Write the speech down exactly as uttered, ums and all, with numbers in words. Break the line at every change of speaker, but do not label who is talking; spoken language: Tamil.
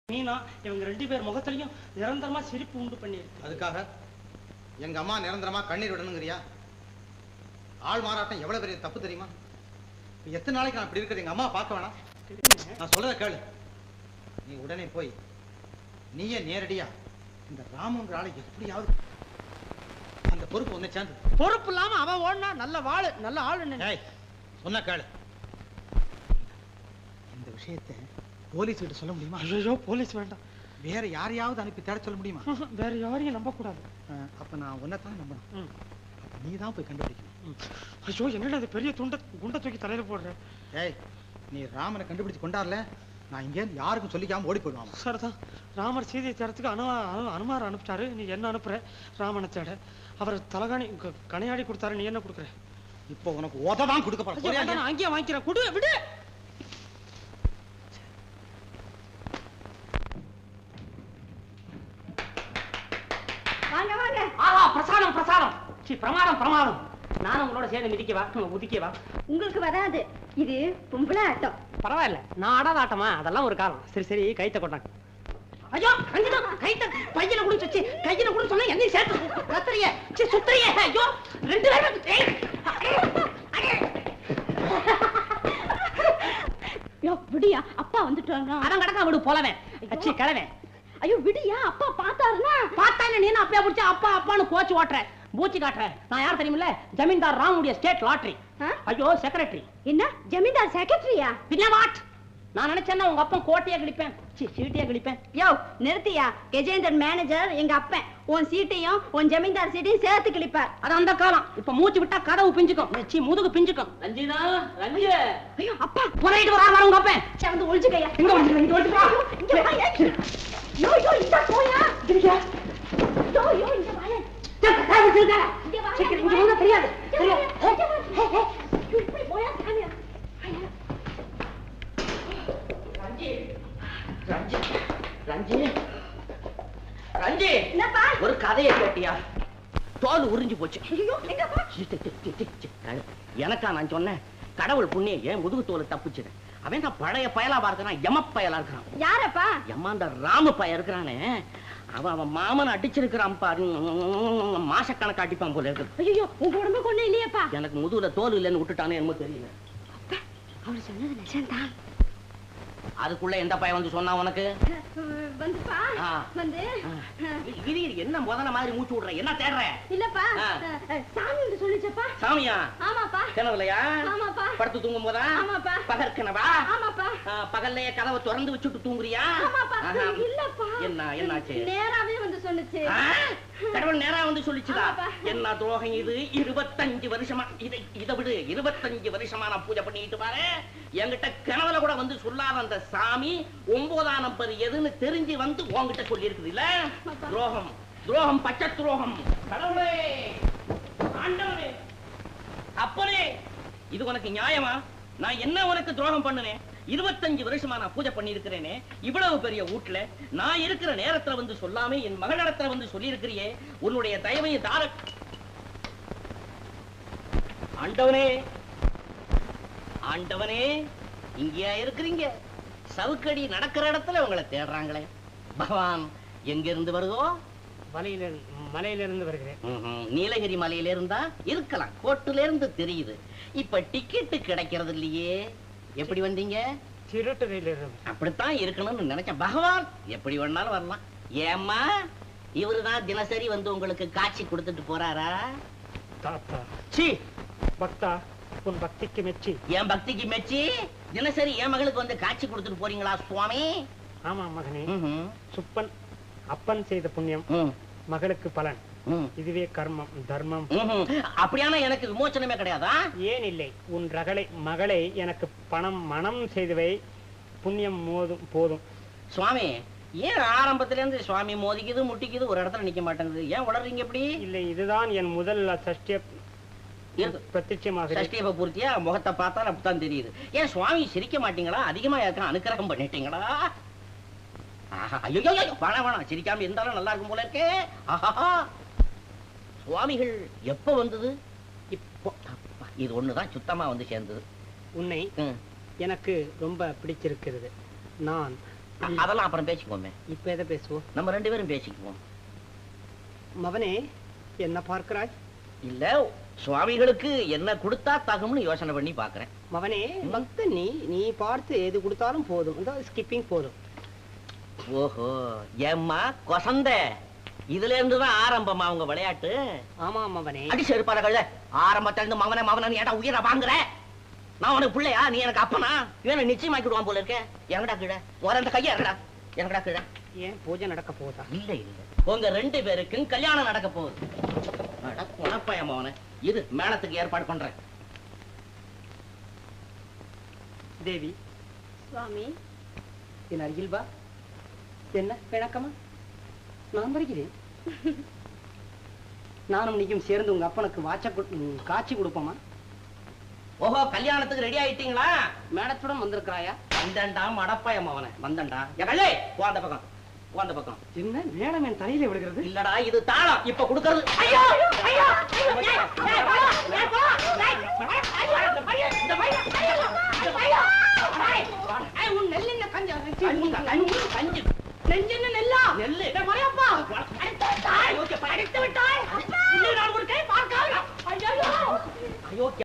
மீனா இவங்க ரெண்டு பேர் முகத்திலையும் நிரந்தரமா சிரிப்பு உண்டு பண்ணிருக்கு.
அதுக்காக எங்க அம்மா நிரந்தரமா கண்ணீர் விடணுங்கிறியா? ஆள் மாறாட்டம் எவ்வளவு பெரிய தப்பு தெரியுமா? எத்தனை நாளைக்கு நான் இப்படி இருக்கிறது எங்க அம்மா பார்க்க வேணாம்? நான் சொல்றத கேளு. நீ உடனே போய் நீயே நேரடியா இந்த ராமுங்கிற ஆளை எப்படியாவது அந்த பொறுப்பு ஒண்ணு சேர்ந்து.
பொறுப்பு இல்லாம அவன் ஓடனா நல்ல வாழு நல்ல ஆளு.
சொன்ன கேளு. இந்த விஷயத்தை போலீஸ் கிட்ட சொல்ல முடியுமா?
ஐயோ போலீஸ் வேண்டாம்.
வேற யாரையாவது அனுப்பி தேட சொல்ல முடியுமா?
வேற யாரையும் நம்ப கூடாது.
அப்ப நான் உன்னைத்தான் நம்பணும். நீ தான் போய் கண்டுபிடிக்கணும்.
ஐயோ என்னடா அது பெரிய துண்ட குண்டை தூக்கி தலையில போடுற.
ஏய் நீ ராமனை கண்டுபிடிச்சு கொண்டாடல நான் இங்கே யாருக்கும் சொல்லிக்காம ஓடி போயிடுவான்.
சார் தான் ராமர் சீதையை தேடத்துக்கு அனு அனுமார் அனுப்பிட்டாரு. நீ என்ன அனுப்புற? ராமனை தேட. அவர் தலகாணி கனையாடி கொடுத்தாரு. நீ என்ன கொடுக்குற?
இப்போ உனக்கு உதவான் கொடுக்க போறேன்.
நான் அங்கேயே வாங்கிக்கிறேன். கொடு விடு. பிரசாதம் பிரசாதம் பிரமாதம் பிரமாதம். நானும் உங்களோட சேர்ந்து மிதிக்கவா உதிக்கவா?
உங்களுக்கு வராது. இது பொம்பளை ஆட்டம்.
பரவாயில்ல நான் ஆடாத ஆட்டமா? அதெல்லாம் ஒரு காலம். சரி சரி கைத்த கொண்டாங்க. ஐயோ ரஞ்சிதா கைத்த பையில கூட வச்சு கையில கூட சொன்னா என்னையும் சேர்த்து கத்துறிய சுத்துறிய. ஐயோ ரெண்டு பேரும்
விடியா அப்பா வந்துட்டாங்க.
அதான் கடக்கா விடு போலவேன் அச்சி கிழவன்.
ஐயோ விடியா அப்பா பார்த்தாருன்னா
பார்த்தா என்ன நீ அப்படியே பிடிச்சா அப்பா அப்பான்னு கோச்சு ஓட்டுற பூச்சி காட்டுற. நான் யார் தெரியுமில்ல? ஜமீன்தார் ராமுடைய ஸ்டேட் லாட்டரி. ஐயோ செக்ரட்டரி.
என்ன ஜமீன்தார் செக்ரட்டரியா?
பின்ன வாட்? நான் நினைச்சேன்னா உங்க அப்பா கோட்டையா கிழிப்பேன் சீட்டையா கிழிப்பேன்.
யோ நிறுத்தியா. கஜேந்தர் மேனேஜர் எங்க அப்பன் உன் சீட்டையும் உன் ஜமீன்தார் சீட்டையும் சேர்த்து கிழிப்பார்.
அது அந்த காலம். இப்ப மூச்சு விட்டா கதவு பிஞ்சுக்கும். சீ முதுகு பிஞ்சுக்கும். ரஞ்சிதா ரஞ்சி.
ஐயோ அப்பா
புறையிட்டு வரா உங்க அப்பன்.
சே வந்து ஒளிஞ்சுக்கையா.
எங்க ஒளிஞ்சுக்க? இங்க ஒளிஞ்சுக்க.
இங்க வாயா. யோ யோ இந்த போயா. இங்க யோ யோ இங்க வாயா.
சக்கரை வச்சிருக்கா.
இங்க வாயா.
சக்கரை இங்க வந்தா தெரியாது. தெரியாது.
இப்படி போயா சாமியா.
ரஞ்சி ரஞ்சி ரஞ்சி ரஞ்சி
என்னப்பா?
ஒரு கதையை கேட்டியா? தோல் உறிஞ்சு போச்சு.
ஐயோ எங்கப்பா?
எனக்கா நான் சொன்னேன்? கடவுள் புண்ணியம் ஏன் முதுகு தோல் தப்புச்சு. அவன் நான் பழைய பயலா பார்க்கிறான். எம பயலா இருக்கிறான்.
யாரப்பா?
எம்மா அந்த ராம பய இருக்கிறானே அவன் அவன் மாமன் அடிச்சிருக்கிறான் பாரு. மாசக்கணக்கு அடிப்பான் போல இருக்கு.
ஐயோ உங்க உடம்பு கொண்டு இல்லையப்பா?
எனக்கு முதுகுல தோல் இல்லைன்னு விட்டுட்டானே என்னமோ தெரியல.
அவர் சொன்னது நிஜம்தான்.
அதுக்குள்ள எந்த பையன் வந்து சொன்னா உனக்கு?
வந்துப்பா வந்து
இது என்ன முதல்ல மாதிரி மூச்சு விடுற? என்ன தேடுற?
இல்லப்பா சாமி வந்து சொல்லிச்சப்பா.
சாமியா?
ஆமாப்பா.
கனவுலையா?
ஆமாப்பா.
படுத்து தூங்கும் போதா?
ஆமாப்பா.
பகல் கனவா?
ஆமாப்பா.
பகல்லையே கதவை திறந்து வச்சுட்டு தூங்குறியா?
ஆமாப்பா. இல்லப்பா.
என்ன என்னாச்சு?
நேராவே வந்து சொல்லுச்சு.
கடவுள் நேரா வந்து சொல்லிச்சுதா? என்ன துரோகம் இது? இருபத்தஞ்சு வருஷமா இதை இதை விடு. இருபத்தஞ்சு வருஷமா நான் பூஜை பண்ணிட்டு பாரு. என்கிட்ட கனவுல கூட வந்து சொல்லாத அந்த சாமி ஒன்பதாம் நம்பர் எதுன்னு தெரிஞ்சு வந்து உன்கிட்ட சொல்லி இருக்குது இல்ல? துரோகம் துரோகம் பச்சை துரோகம். கடவுளே ஆண்டவனே அப்பனே இது உனக்கு நியாயமா? நான் என்ன உனக்கு துரோகம் பண்ணுனேன்? இருபத்தஞ்சு வருஷமா நான் பூஜை பண்ணி இருக்கிறேனே. இவ்வளவு பெரிய வீட்டுல நான் இருக்கிற நேரத்துல வந்து சொல்லாம என் மகளிடத்துல வந்து சொல்லி இருக்கிறியே. உன்னுடைய தயவையை தார ஆண்டவனே ஆண்டவனே இங்கேயா இருக்கிறீங்க? சவுக்கடி நடக்கிற இடத்துல உங்களை தேடுறாங்களே. பகவான் எங்க இருந்து வருதோ?
மலையில மலையில இருந்து வருகிறேன்.
நீலகிரி மலையில இருந்தா இருக்கலாம். கோட்டுல இருந்து தெரியுது. இப்ப டிக்கெட்டு கிடைக்கிறது இல்லையே. எப்படி வந்தீங்க?
திருட்டு ரயில இருந்து.
அப்படித்தான் இருக்கணும்னு நினைச்சேன். பகவான் எப்படி வேணாலும் வரலாம். ஏம்மா இவருதான் தினசரி வந்து உங்களுக்கு காட்சி கொடுத்துட்டு போறாரா?
தாத்தா
சி
பக்தா உன் பக்திக்கு மெச்சி.
என் பக்திக்கு மெச்சி தினசரி என் மகளுக்கு வந்து காட்சி கொடுத்துட்டு போறீங்களா சுவாமி?
ஆமா மகனே. சுப்பன் அப்பன் செய்த புண்ணியம் மகளுக்கு பலன். இதுவே கர்மம் தர்மம்.
அப்படியான எனக்கு விமோச்சனமே கிடையாதா?
ஏன் இல்லை. உன் ரகளை மகளை எனக்கு பணம் மனம் செய்தவை புண்ணியம் மோதும் போதும்.
சுவாமி ஏன் ஆரம்பத்துல இருந்து சுவாமி மோதிக்குது முட்டிக்குது ஒரு இடத்துல நிக்க மாட்டேங்குது? ஏன் உளறீங்க எப்படி?
இல்லை இதுதான் என் முதல் சஷ்டிய பிரத்யட்சமாக.
சஷ்டிய பூர்த்தியா முகத்தை பார்த்தா அப்படித்தான் தெரியுது. ஏன் சுவாமி சிரிக்க மாட்டீங்களா? அதிகமா யாருக்கும் அனுக்கிரகம் பண்ணிட்டீங்களா? ஐயோ வேணாம் வேணாம் சிரிக்காம இருந்தாலும் நல்லா இருக்கும் போல இருக்கே. ஆஹா சுவாமிகள் எப்ப வந்தது? இப்போ இது ஒண்ணுதான் சுத்தமா வந்து சேர்ந்தது.
உன்னை எனக்கு ரொம்ப பிடிச்சிருக்கிறது. நான்
அதெல்லாம் அப்புறம் பேசிக்குவோமே.
இப்ப எதை பேசுவோம்?
நம்ம ரெண்டு பேரும் பேசிக்குவோம்.
மவனே, என்ன பார்க்கிறாய்?
இல்ல, சுவாமிகளுக்கு என்ன கொடுத்தா தகும்னு யோசனை பண்ணி பாக்குறேன்.
மவனே, பக்த நீ நீ பார்த்து எது கொடுத்தாலும் போதும். இந்த ஸ்கிப்பிங் போதும்.
ஓஹோ, ஏம்மா கொசந்த, இதுல இருந்துதான் ஆரம்பமா உங்க விளையாட்டு?
ஆமா மவனே.
அடி செருப்பால கழுத, ஆரம்பத்துல இருந்து மவனே மவனே ஏடா உயிரை வாங்குற? நான் உனக்கு பிள்ளையா? நீ எனக்கு அப்பனா? இவன் நிச்சயமாக்கிடுவான் போல இருக்க. எங்கடா கீழே ஒரு அந்த கையா இருக்கடா, எங்கடா கீழே?
ஏன் பூஜை நடக்க போதா?
இல்ல இல்ல, உங்க ரெண்டு பேருக்கும் கல்யாணம் நடக்க போகுது. குணப்பயம் அவன, இது மேளத்துக்கு ஏற்பாடு பண்றேன்.
தேவி,
சுவாமி,
என் அருகில் வா. என்ன பிணக்கமா? நான் வருகிறேன். நானும் நீயும் சேர்ந்து உங்க அப்பனுக்கு வாச்ச காட்சி கொடுப்போமா?
ஓஹோ, கல்யாணத்துக்கு ரெடி ஆயிட்டீங்களா?
மேடத்துடன் வந்திருக்கிறாயா?
வந்தண்டா மடப்பயம் அவன, வந்தண்டா. எகல்லே போ அந்த பக்கம், போ அந்த பக்கம்.
என்ன மேடம் என் தலையில விழுகிறது?
இல்லடா, இது தாளம். இப்ப கொடுக்கிறது. ஐயோ ஐயோ
உன் நெல்லின கஞ்சா
கஞ்சி கஞ்சி
நெஞ்சு நெல்லா
நெல்லு
மறையப்பா
அடித்து விட்டாய்.